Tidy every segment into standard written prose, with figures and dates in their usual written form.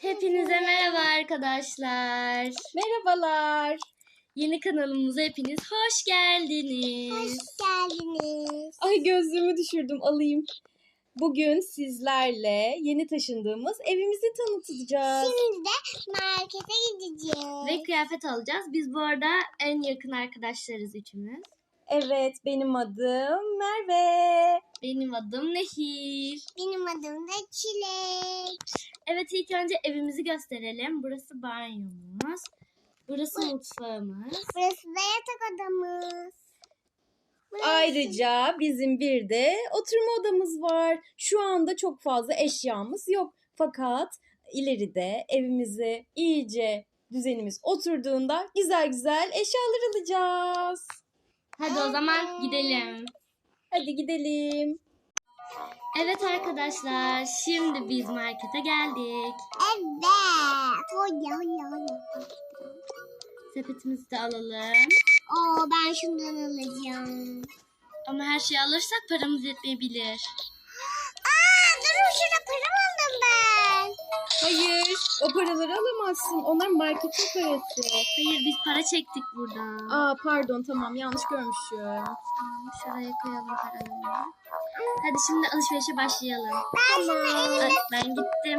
Hepinize merhaba arkadaşlar. Merhabalar. Yeni kanalımıza hepiniz hoş geldiniz. Hoş geldiniz. Ay gözlüğümü düşürdüm, alayım. Bugün sizlerle yeni taşındığımız evimizi tanıtacağız. Şimdi de markete gideceğiz. Ve kıyafet alacağız. Biz bu arada en yakın arkadaşlarız üçümüz. Evet, benim adım Merve. Benim adım Nehir. Benim adım da Çilek. Evet, ilk önce evimizi gösterelim. Burası banyomuz. Burası mutfağımız. Burası da yatak odamız. Ayrıca bizim bir de oturma odamız var. Şu anda çok fazla eşyamız yok. Fakat ileride evimize iyice düzenimiz oturduğunda güzel güzel eşyalar alacağız. Hadi o zaman gidelim. Hadi gidelim. Evet arkadaşlar, şimdi biz markete geldik. Evet. Oya. Sepetimizi de alalım. Oo, ben şundan alacağım. Ama her şeyi alırsak paramız yetmeyebilir. Durun, şurada param aldım ben. Hayır, o paraları alamazsın. Onlar marketin parası. Hayır, biz para çektik buradan. Aa pardon, tamam, yanlış görmüşüm. Şuraya koyalım paraları. Hadi şimdi alışverişe başlayalım. Tamam. Ben gittim.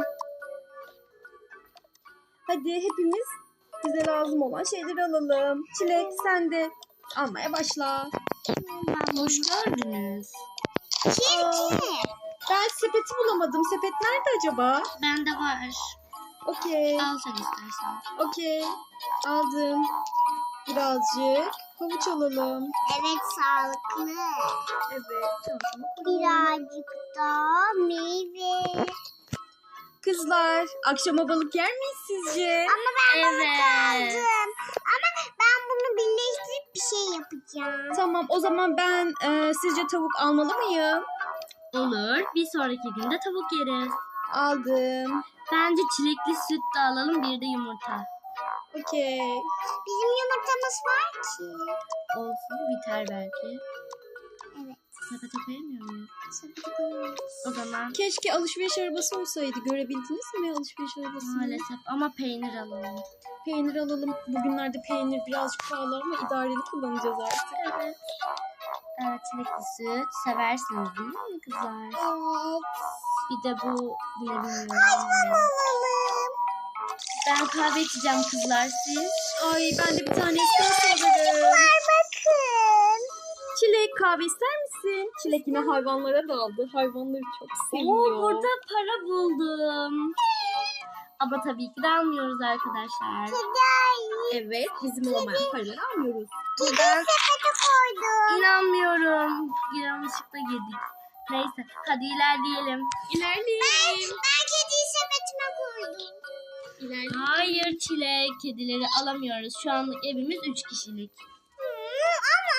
Hadi hepimiz bize lazım olan şeyleri alalım. Çilek sen de almaya başla. Hoş geldiniz. Aa, ben sepeti bulamadım. Sepet nerede acaba? Bende var. Okey. Al sen istersen. Okey. Aldım. Birazcık havuç alalım. Evet, sağlıklı. Evet. Çantama koyalım. Birazcık da meyve. Kızlar, akşama balık yer miyiz sizce? Ama ben balık Evet. aldım. Ama ben bunu birleştirip bir şey yapacağım. Tamam, o zaman ben sizce tavuk almalı mıyım? Olur. Bir sonraki günde tavuk yeriz. Aldım. Bence çilekli süt de alalım, bir de yumurta. Okey. Bizim yumurtamız var ki. Olsun, biter belki. Evet. Sepete koyamıyor muyuz? Sepete koyuyoruz. O zaman Keşke alışveriş arabası olsaydı. Görebildiniz mi alışveriş arabasını? maalesef ama peynir alalım. Peynir alalım. Bugünlerde peynir birazcık pahalı ama idareli kullanacağız artık. Evet. Çilekli süt seversiniz değil mi kızlar? Evet. Bir de bu ne bilmiyorum. Alalım. Ben kahve içeceğim kızlar, siz. Ay ben de bir tane espresso alırım. Var bakın. Çilek kahve ister misin? Çilek yine hayvanlara daldı. Hayvanları çok seviyor. Oo, burada para buldum. Ama tabii ki de almıyoruz arkadaşlar. Evet, bizim olmayan paraları almıyoruz. Buradan Sepete koydum. inanmıyorum. Yanlışlıkla yedik. Neyse, hadi ilerleyelim. İlerleyelim. Ben kediyi sepetime koydum. İlerleyelim. Hayır Çilek, kedileri alamıyoruz. Şu anlık evimiz 3 kişilik. Ama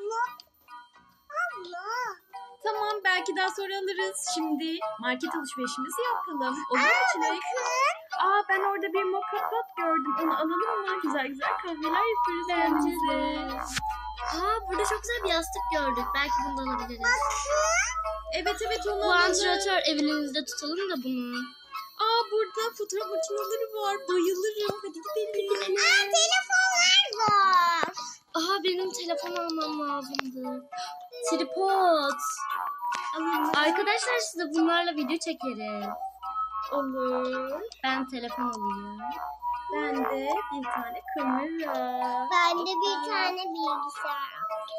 abla. Tamam, belki daha sonra alırız. Şimdi market alışverişimizi yapalım. Olur mu Çilek? Bakın. Aa, ben orada bir mocha pot gördüm. Onu alalım mı? Güzel güzel kahveler yaparız Bence kendimize. de. Burada çok güzel bir yastık gördük. Belki bunu da alabiliriz. Evet onu Bu alalım. antrenör evinizde tutalım da bunu. Aa, burada fotoğraf makineleri var. Bayılırım. Hadi gidelim. Telefonlar var. Benim telefon almam lazımdı. Tripod. Arkadaşlar size bunlarla video çekeriz. Olur. Ben telefon alayım. Ben de bir tane kamera. Ben de bir tane bilgisayar.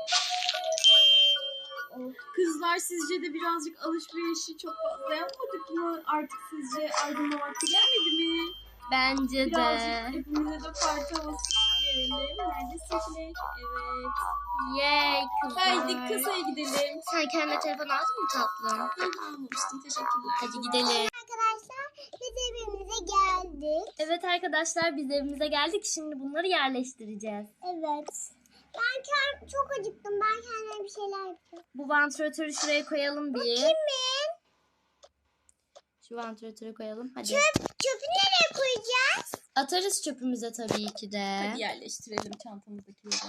Kızlar, sizce de birazcık alışverişi çok fazla yapmadık mı? Artık sizce aydınma vakti gelmedi mi? Bence Birazcık de. hepimize de parti havası verelim. Neredesin Çilek? Evet. Yay kızlar. Haydi kasaya gidelim. Sen kendine telefon aldın mı tatlım? Almamıştım, teşekkürler. Hadi gidelim. Arkadaşlar biz evimize geldik. Evet arkadaşlar, biz evimize geldik. Şimdi bunları yerleştireceğiz. Evet. Ben çok acıktım. Ben kendime bir şeyler yapacağım. Bu vantilatörü şuraya koyalım bir. Kimin? Şu vantilatörü koyalım. Hadi. Çöpü nereye koyacağız? Atarız çöpümüze tabii ki de. Hadi yerleştirelim çantamızdakileri.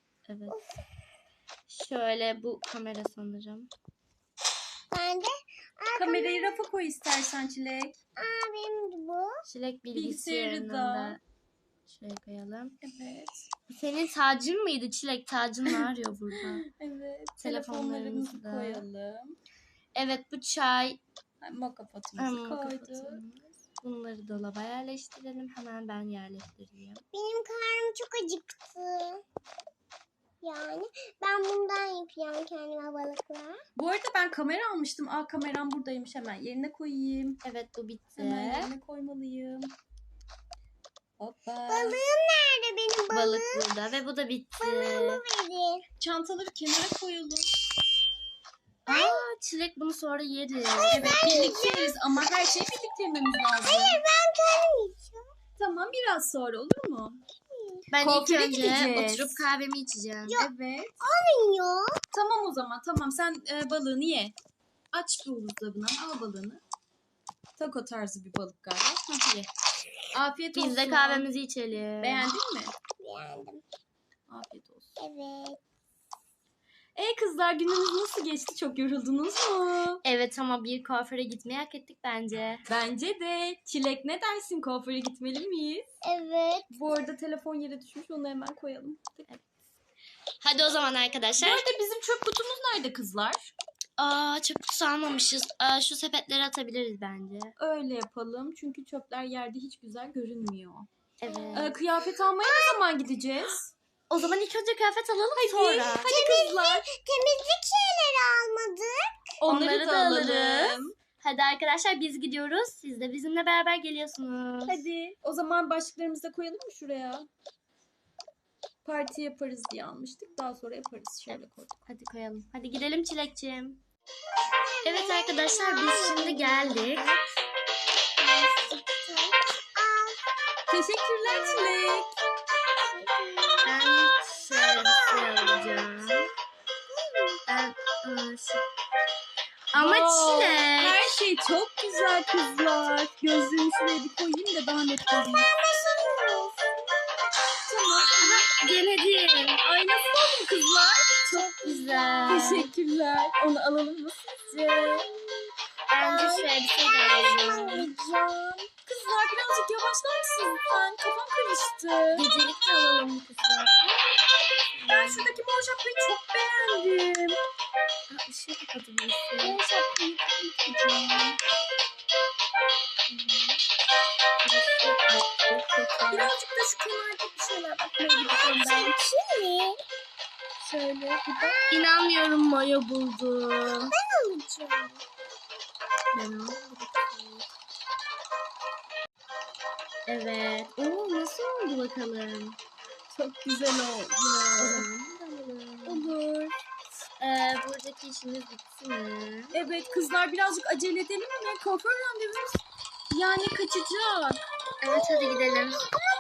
Evet. Şöyle, bu kamera sanırım. Ben de Kamerayı rafa koy istersen Çilek. Benim de bu. Çilek Bilgisayarı bilgisayarını da. da şöyle koyalım. Evet. Senin tacın mıydı Çilek? Tacın ne arıyor burada? Evet. Telefonlarımızı Telefonlarımızı da. koyalım. Evet bu çay. Moka potumuzu koyduk. Kapatıyoruz. Bunları dolaba yerleştirelim. Hemen ben yerleştireyim. Benim karnım çok acıktı. Yani ben bundan yapacağım kendime balıklar. Bu arada ben kamera almıştım. Kameram buradaymış. Hemen yerine koyayım. Evet bu bitti. Hemen yerine koymalıyım. Hoppa. Balığım nerede benim balığım? Balık burada ve bu da bitti. Balığımı verin. Çantaları kenara koyalım. Çilek bunu sonra yeriz. Evet birlikte yeriz ama her şeyi birlikte yememiz lazım. Hayır ben kendim yiyeceğim. Tamam biraz sonra olur mu? Ben Kuaföre ilk önce gideceğiz. oturup kahvemi içeceğim. Evet. Olmuyor. Tamam o zaman tamam sen balığını ye. Aç bir buzdolabına al balığını. Taco tarzı bir balık galiba. Hah, ye. Afiyet olsun. Biz de kahvemizi içelim. Beğendin mi? Beğendim. Afiyet olsun. Evet. Kızlar gününüz nasıl geçti? Çok yoruldunuz mu? Evet ama bir kuaföre gitmeyi hak ettik bence. Bence de. Çilek ne dersin? Kuaföre gitmeli miyiz? Evet. Bu arada telefon yere düşmüş. Onu hemen koyalım. Hadi o zaman Bu arkadaşlar. arada bizim çöp kutumuz nerede kızlar? Çöp kutusu almamışız. Şu sepetleri atabiliriz bence. Öyle yapalım. Çünkü çöpler yerde hiç güzel görünmüyor. Evet. Kıyafet almaya ne zaman gideceğiz? O zaman ilk önce kıyafet alalım sonra. Hadi kızlar. Temizlik şeyleri almadık. Onları da alalım. alırız. Hadi arkadaşlar biz gidiyoruz. Siz de bizimle beraber geliyorsunuz. Hadi. O zaman başlıklarımızı da koyalım mı şuraya? Parti yaparız diye almıştık. Daha sonra yaparız. Şöyle koyduk. Hadi koyalım. Hadi gidelim Çilekçim. Evet arkadaşlar biz şimdi geldik. Teşekkürler Çilek. Ben şöyle bir şey alacağım. Ben Ama Wow, Çilek. Her şey çok güzel kızlar. Gözlüğümü şuraya bir koyayım da daha net göreyim. Tamam. Denedim. Ay nasıl oldu kızlar? Çok güzel. Teşekkürler. Onu alalım mı sizce? Bence şöyle bir şey de alalım. Kızlar birazcık yavaşlar mısın lütfen? Kafam karıştı. Gecelik de alalım kızlar. Ben şuradaki mor şapkayı çok beğendim. Işığı kapatabilirsin. Mor şapkayı kapatacağım. Birazcık da şu kenarda bir şeyler bakmaya gidiyorum ben. Şimdi Şöyle bir bak. İnanmıyorum mayo buldum. alacağım. Ben aldım. Evet. Oo nasıl oldu bakalım? Çok güzel oldu. O zaman alalım. Olur. Buradaki işimiz bitti mi? Evet kızlar birazcık acele edelim mi? Kuaför randevumuz yani kaçacak. Evet hadi gidelim.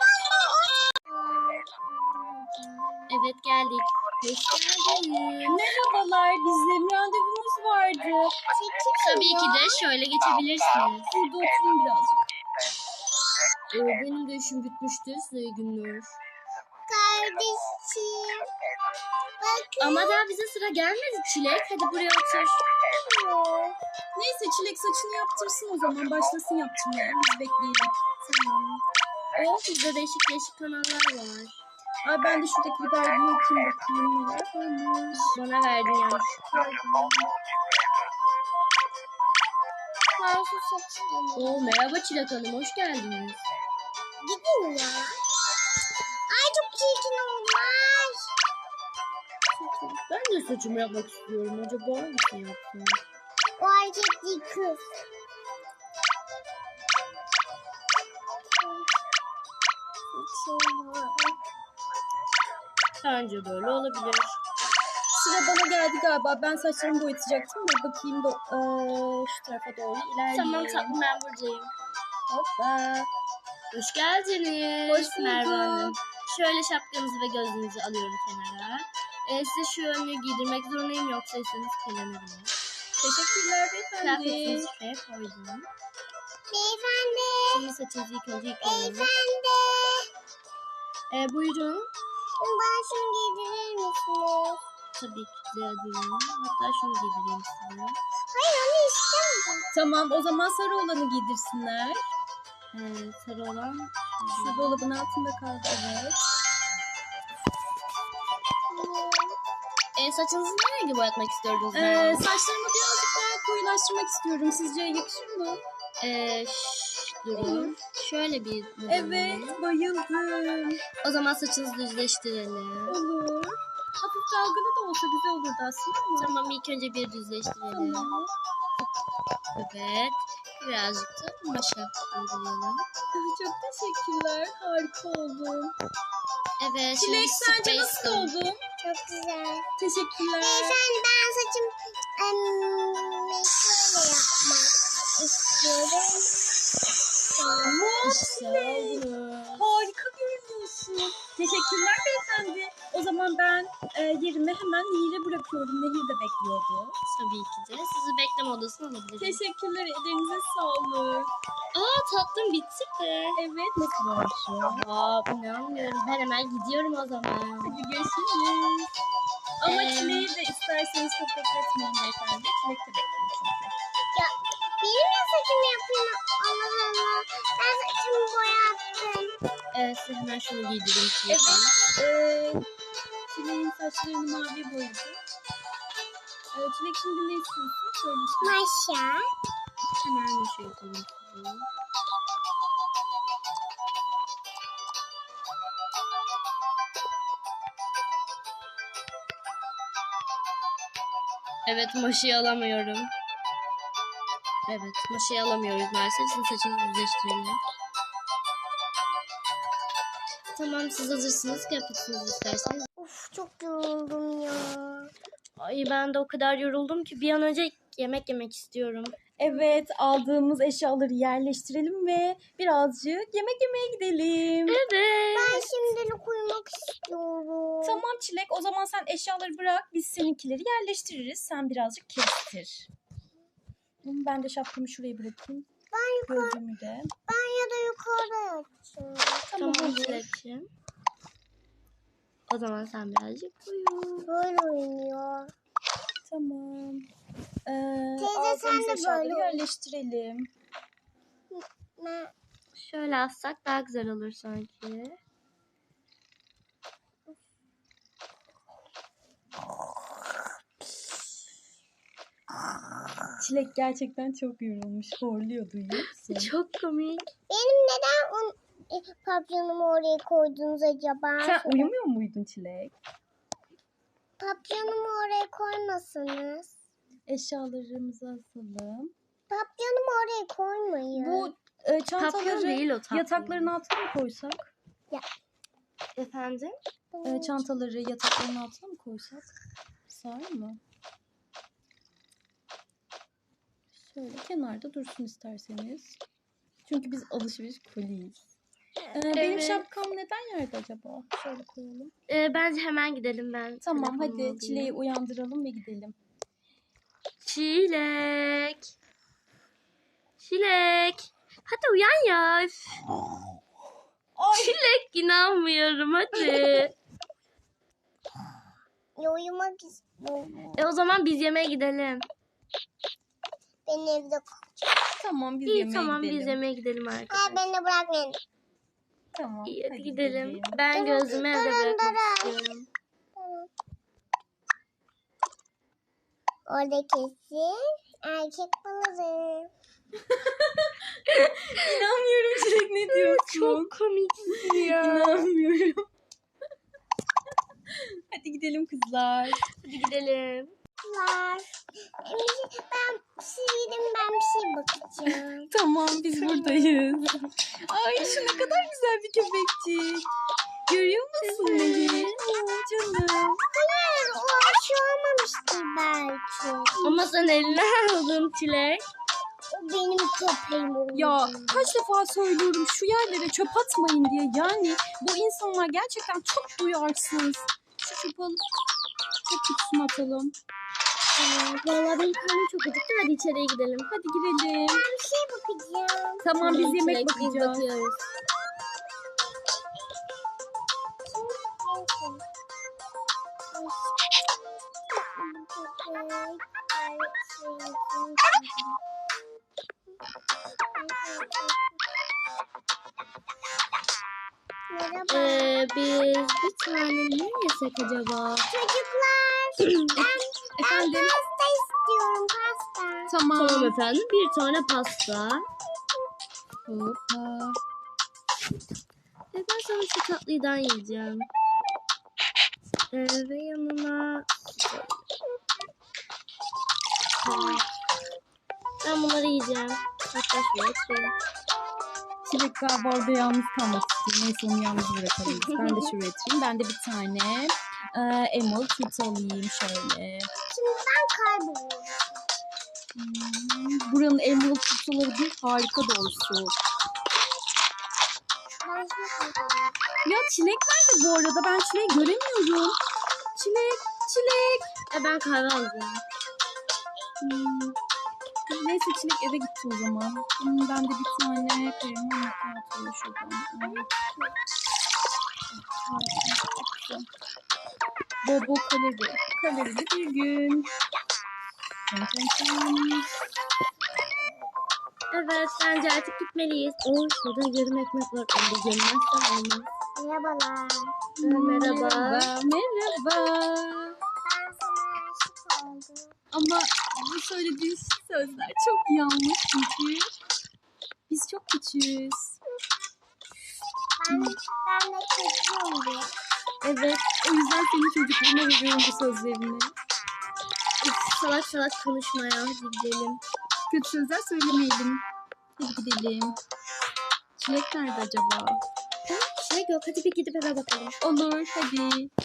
Evet geldik. Hoş geldiniz. Merhabalar bizle randevumuz vardı. Tabii ki de şöyle geçebilirsiniz. Burada oturun birazcık. Benim de işim bitmişti. Size iyi günler. Kardeşim. Bakın. Ama daha bize sıra gelmedi Çilek. Hadi buraya otur. Neyse Çilek saçını yaptırsın o zaman. Başlasın yaptırmaya. Biz bekleyelim. Tamam. Burada değişik değişik kanallar var. Ay ben de şuradaki bir dergiyi okuyayım bakayım neler varmış. Bana verdin yanlış. Ben şu saçını. Oo merhaba Çilek Hanım. Hoş geldiniz. Gidin ya. Ay çok çirkin olmaz. Ben de saçımı yapmak istiyorum. Acaba hangisini yapsam? O erkek değil kız. Bence böyle olabilir. Sıra bana geldi galiba. Ben saçlarımı boyatacaktım da bakayım da şu tarafa doğru ilerleyeyim. Tamam tatlım ben buradayım. Hoppa. Hoş geldiniz. Hoş bulduk. Merve Hanım. Şöyle şapkanızı ve gözlüğünüzü alıyorum kenara. Size şu önlüğü giydirmek zorundayım yoksa üstünüz kirlenebilir. Teşekkürler beyefendi. Kıyafetinizi şuraya koydum. Beyefendi. Şimdi saçınızı ilk önce yıkayalım. Beyefendi. Buyurun. Bana şunu giydirir misiniz? Tabii ki de diyorum. Hatta şunu giydireyim size. Hayır onu Tamam, o zaman sarı olanı giydirsinler. Sarı olan. Şu dolabın altında kaldı, evet. Saçınızı ne rengi boyatmak istiyordunuz? Saçlarımı birazcık daha koyulaştırmak istiyorum. Sizce yakışır mı? Durun. Şöyle bir. Evet, bayıldım. O zaman saçınızı düzleştirelim. Olur. Hafif dalgalı da olsa güzel olurdu aslında ama. Tamam, ilk önce bir düzleştirelim. Tamam. Evet. Birazcık da maşa uygulayalım. Çok teşekkürler. Harika oldum. Evet. Çilek, şimdi sence space nasıl kalın. oldum? Çok güzel. Teşekkürler. Ben saçım şöyle yapmak istiyorum. Harika görünüyorsun. Teşekkürler beyefendi. O zaman ben yerime hemen Nehir'e bırakıyorum. Nehir de bekliyordu. Tabii ki de. Sizi bekleme odasına alabilirim. Teşekkürler. Ellerinize sağlık. Tatlım bitti mi? Evet. Nasıl olmuş? İnanmıyorum. Ben hemen gidiyorum o zaman. Hadi görüşürüz. Ama Ee, Çileği de isterseniz çok bekletmeyin beyefendi. Çilek de bekliyor çünkü. Benim de saçımı yapayım. Allah Allah. Ben saçımı boyattım. Size hemen şunu giydireyim. Evet. Çileğin saçlarını mavi boyadı. Çilek şimdi ne istiyorsun? Söyle işte. Maşa. Hemen maşa yapalım size. Evet, maşayı alamıyorum. Evet, maşayı alamıyoruz maalesef. Sizin saçınızı düzleştirelim. Tamam, siz hazırsınız. Kıyafetinizi isterseniz. Of, çok yoruldum ya. Ay, ben de o kadar yoruldum ki bir an önce yemek yemek istiyorum. Evet, aldığımız eşyaları yerleştirelim ve birazcık yemek yemeye gidelim. Evet. Ben şimdilik uyumak istiyorum. Tamam Çilek, o zaman sen eşyaları bırak, biz seninkileri yerleştiririz. Sen birazcık kestir. Ben de şapkamı şuraya bırakayım. Gözlüğümü de. Ben ya da yukarıda yatacağım. Tamam olur. Çilek'ciğim. O zaman sen birazcık uyu. Böyle oynuyor. Tamam. Teyze, sen aldığımız de eşyaları böyle yerleştirelim. Ben... Şöyle assak daha güzel olur sanki. Çilek gerçekten çok yorulmuş. Horluyor, duyuyor musun? Çok komik. Benim neden papyonumu oraya koydunuz acaba? Sen uyumuyor muydun Çilek? Papyonumu oraya koymasanız. Eşyalarımızı asalım. Papyonumu oraya koymayın. Bu Papyon çantaları değil o, tatlı. yatakların altına mı koysak? Efendim? Çantaları yatakların altına mı koysak? Sağır mı? Şöyle kenarda dursun isterseniz. Çünkü biz alışveriş koliyiz. Benim Evet. şapkam neden yerde acaba? Şöyle koyalım. Bence hemen gidelim ben. Tamam, telefonumu hadi alayım. Çileği uyandıralım ve gidelim. Çilek. Çilek. Hadi uyan ya. Üf. Çilek, inanmıyorum, hadi. Ya, uyumak istiyorum. O zaman biz yemeğe gidelim. Ben evde Tamam, biz İyi, yemeğe tamam, gidelim. biz yemeğe gidelim arkadaşlar. beni de bırakmayın. Tamam, İyi, hadi hadi gidelim. Ben gözümü evde bırakmak istiyorum. Orada kesin erkek balığı. İnanmıyorum Çilek, ne diyorsun? Çok komiksin ya. İnanmıyorum. Hadi gidelim kızlar. Hadi gidelim. Var. Ben bir şey bakacağım. Tamam, biz buradayız. Ay, şu ne kadar güzel bir köpekçik. Görüyor musun Nehir? Canım. Hayır, o şey olmamıştır belki. Ama sen eline aldın Çilek. O benim köpeğim oldu. Ya kaç defa söylüyorum şu yerlere çöp atmayın diye. Yani bu insanlar gerçekten çok duyarsız. Şu çöpü alıp çöp kutusuna atalım. Vallahi benim karnım çok acıktı. Hadi içeriye gidelim. Hadi girelim. Ben bir şey bakacağım. Tamam, biz yemek Çilek, biz bakacağız. bakıyoruz. Merhaba. Biz bir tane ne yesek acaba? Çocuklar. Ben Efendim? pasta istiyorum, pasta. Tamam. Tamam efendim. Bir tane pasta. Hoppa. Ben sana şu tatlıydan yiyeceğim. Ve yanına... Ben bunları yiyeceğim. Hatta şuraya atayım. Çilek galiba orada yalnız kalmak istiyor. Neyse onu yalnız bırakalım. Ben de şuraya atayım. Ben de bir tane Emerald Kit alayım şöyle. Şimdi ben kayboluyorum. Buranın Emerald Kit'ları bir harika doğrusu. Ben şimdi kayboluyorum. Ya Çilek nerede bu arada? Ben Çilek'i göremiyorum. Çilek. Ben kahve alacağım. Neyse Çilek eve gitti o zaman. Ben de bir tane krema macchiato alayım şuradan. Bobo kalori. Kalorili bir gün. Tın tın tın. Evet, bence artık gitmeliyiz. Şurada yarım ekmek var. Onu da yemezsem olmaz. Merhabalar. Merhaba. Merhaba. Ben sana aşık oldum. Ama bu söylediğin sözler çok yanlış çünkü biz çok küçüğüz. Ben de çocuğum diye. Evet, o yüzden senin çocukluğuna veriyorum bu sözlerini. Salak salak konuşma ya. Hadi gidelim. Kötü sözler söylemeyelim. Hadi gidelim. Çilek nerede acaba? Şey yok. Hadi bir gidip eve bakalım. Olur, hadi.